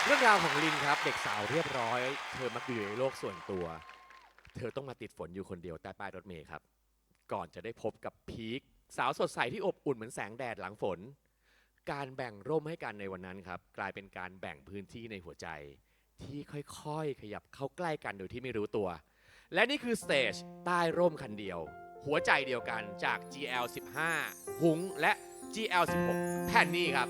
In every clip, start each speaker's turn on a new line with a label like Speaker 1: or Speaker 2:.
Speaker 1: เรื่องราวของลินครับเด็กสาวเรียบร้อยเธอมักอยู่ในโลกส่วนตัวเธอต้องมาติดฝนอยู่คนเดียวใต้ป้ายรถเมล์ครับก่อนจะได้พบกับพีคสาวสดใสที่อบอุ่นเหมือนแสงแดดหลังฝนการแบ่งร่มให้กันในวันนั้นครับกลายเป็นการแบ่งพื้นที่ในหัวใจที่ค่อยๆขยับเข้าใกล้กันโดยที่ไม่รู้ตัวและนี่คือสเตจใต้ร่มคันเดียวหัวใจเดียวกันจาก GL15 หุงและ GL16 แผ่นนี้ครับ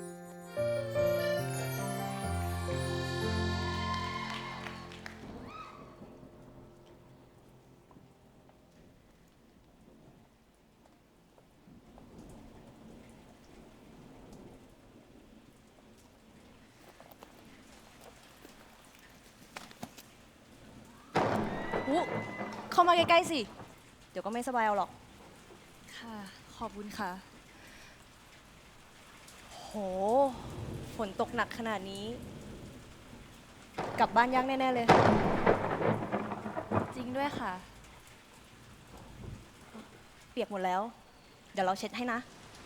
Speaker 2: อุ๊เข้ามาใกล้ๆสิ เดี๋ยวก็ไม่สบายเอาหรอก
Speaker 3: ค่ะ ขอบคุณค่ะ
Speaker 2: โห ฝนตกหนักขนาดนี้ กลับบ้านยากแน่ๆเลย
Speaker 3: จริงด้วยค่ะ
Speaker 2: เปียกหมดแล้ว เดี๋ยวเราเช็ดให้นะ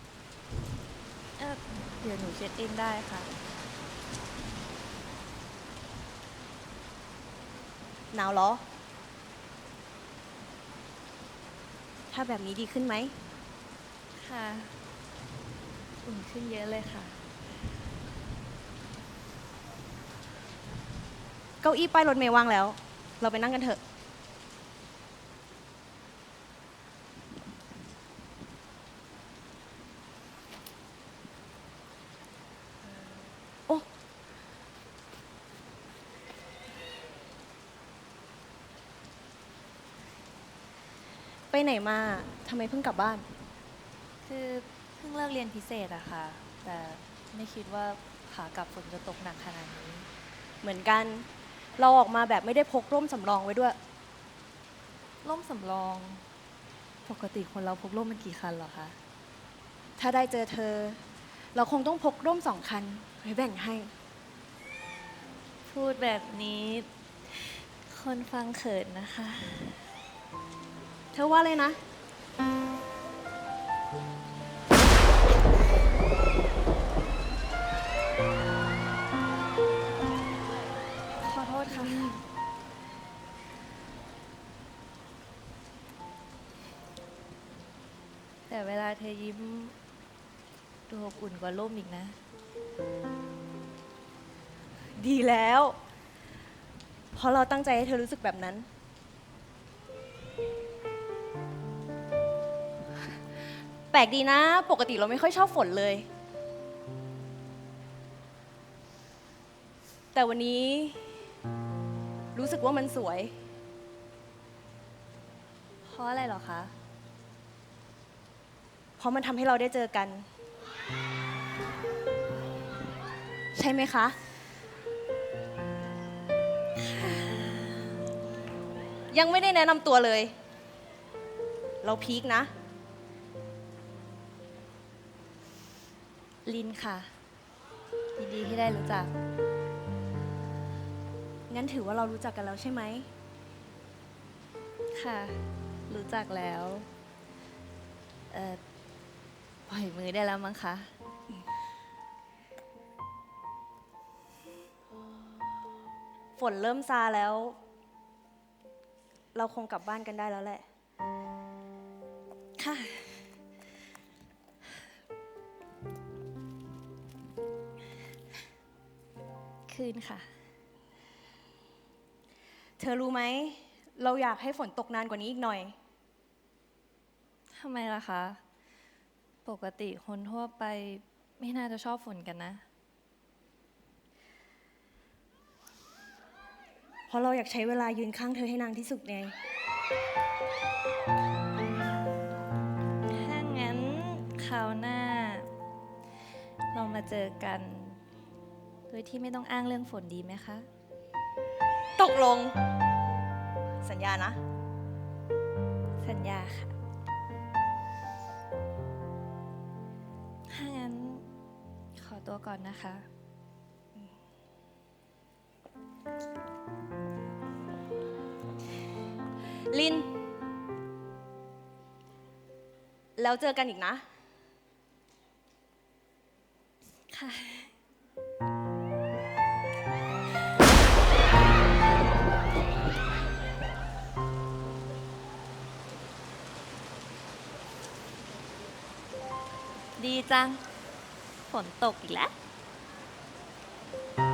Speaker 3: เดี๋ยวหนูเช็ดเองได้ค่ะ
Speaker 2: หนาวเหรอ ถ้าแบบนี้ดีขึ้นไหม
Speaker 3: ค่ะ อุ่นขึ้นเยอะเลยค่ะ
Speaker 2: เก้าอี้ป้ายรถเมล์ว่างแล้ว เราไปนั่งกันเถอะ โอ้ ไปไหนมา ทำไมเพิ่งกลับบ้าน
Speaker 3: คือเพิ่งเลิกเรียนพิเศษอะค่ะ แต่ไม่คิดว่าขากลับฝนจะตกหนักขนาดนี้
Speaker 2: เหมือนกัน เราออกมาแบบไม่ได้พกร่มสำรองไว้ด้วย
Speaker 3: ร่มสำรอง ปกติคนเราพกร่มมันกี่คันเหรอคะ
Speaker 2: ถ้าได้เจอเธอ เราคงต้องพกร่ม2 คันไว้แบ่งให้
Speaker 3: พูดแบบนี้ คนฟังเขินนะคะ
Speaker 2: เธอว่าเลยนะ
Speaker 3: ขอโทษค่ะ แต่เวลาเธอยิ้มดูอบอุ่นกว่าร่มอีกนะ
Speaker 2: ดีแล้ว เพราะเราตั้งใจให้เธอรู้สึกแบบนั้น แปลกดีนะ ปกติเราไม่ค่อยชอบฝนเลย แต่วันนี้ รู้สึกว่ามันสวย
Speaker 3: เพราะอะไรเหรอคะ
Speaker 2: เพราะมันทำให้เราได้เจอกัน ใช่ไหมคะ ยังไม่ได้แนะนำตัวเลย เราพีคนะ
Speaker 3: ลินค่ะ ยินดีที่ได้รู้จัก
Speaker 2: งั้นถือว่าเรารู้จักกันแล้วใช่ไหม
Speaker 3: ค่ะ รู้จักแล้ว ปล่อยมือได้แล้วมั้งคะ
Speaker 2: ฝนเริ่มซาแล้ว เราคงกลับบ้านกันได้แล้วแหละ
Speaker 3: ค่ะ คืนค่ะ
Speaker 2: เธอรู้ไหม เราอยากให้ฝนตกนานกว่านี้อีกหน่อย
Speaker 3: ทำไมล่ะคะ ปกติคนทั่วไปไม่น่าจะชอบฝนกันนะ
Speaker 2: เพราะเราอยากใช้เวลายืนข้างเธอให้นานที่สุดไง
Speaker 3: ถ้างั้นคราวหน้า เรามาเจอกัน โดยที่ไม่ต้องอ้างเรื่องฝนดีไหมคะ
Speaker 2: ตกลง สัญญานะ
Speaker 3: สัญญาค่ะ ถ้างั้นขอตัวก่อนนะคะ
Speaker 2: ลิน แล้วเจอกันอีกนะ
Speaker 3: ค่ะดีจัง ฝนตกอีกแล้ว